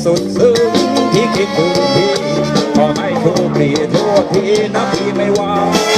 สุดซึ้งที่คิดถึงพี่ขอให้โชคดีทั่วทีนะพี่ไม่ว่า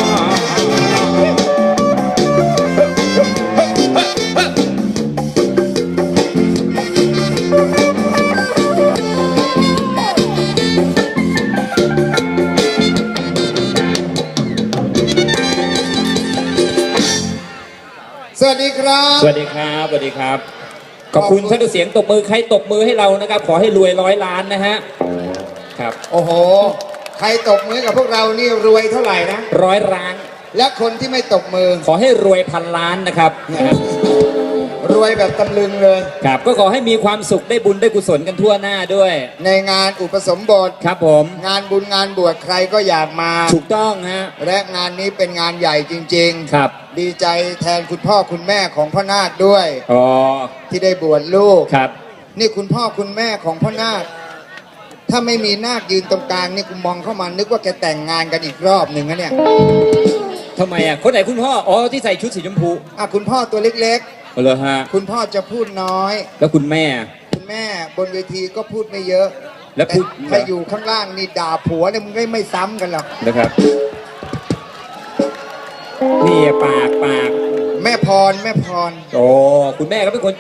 สวัสดีครับสวัสดีครับสวัสดีครับขอบคุณท่านเสียงตบมือใครตบมือให้เรานะครับขอให้รวย100 ล้านนะฮะครับโอ้โหใครตบมือกับพวกเรานี่รวยเท่าไหร่นะ 100 ล้านและคนที่ไม่ตบมือขอให้รวย1,000 ล้านนะครับรวยแบบตำลึงเลยครับก็ขอให้มีความสุขได้บุญได้กุศลกันทั่วหน้าด้วยในงานอุปสมบทครับผมงานบุญงานบวชใครก็อยากมาถูกต้องฮะและงานนี้เป็นงานใหญ่จริงๆครับดีใจแทนคุณพ่อคุณแม่ของพ่อนาคด้วยอ๋อที่ได้บวชลูกครับนี่คุณพ่อคุณแม่ของพ่อนาคถ้าไม่มีนาคยืนตรงกลางนี่กูมองเข้ามานึกว่าแกแต่งงานกันอีกรอบหนึ่งนะเนี่ยทำไมอ่ะคนไหนคุณพ่ออ๋อที่ใส่ชุดสีชมพูคุณพ่อตัวเล็กๆเลยฮะคุณพ่อจะพูดน้อยแล้วคุณแม่บนเวทีก็พูดไม่เยอะแล้วพูดถ้าอยู่ข้างล่างนี่ด่าผัวเนี่ยมึงไม่ซ้ำกันหรอกนะครับนี่ปากแม่พรโอ้คุณแม่ก็เป็นคน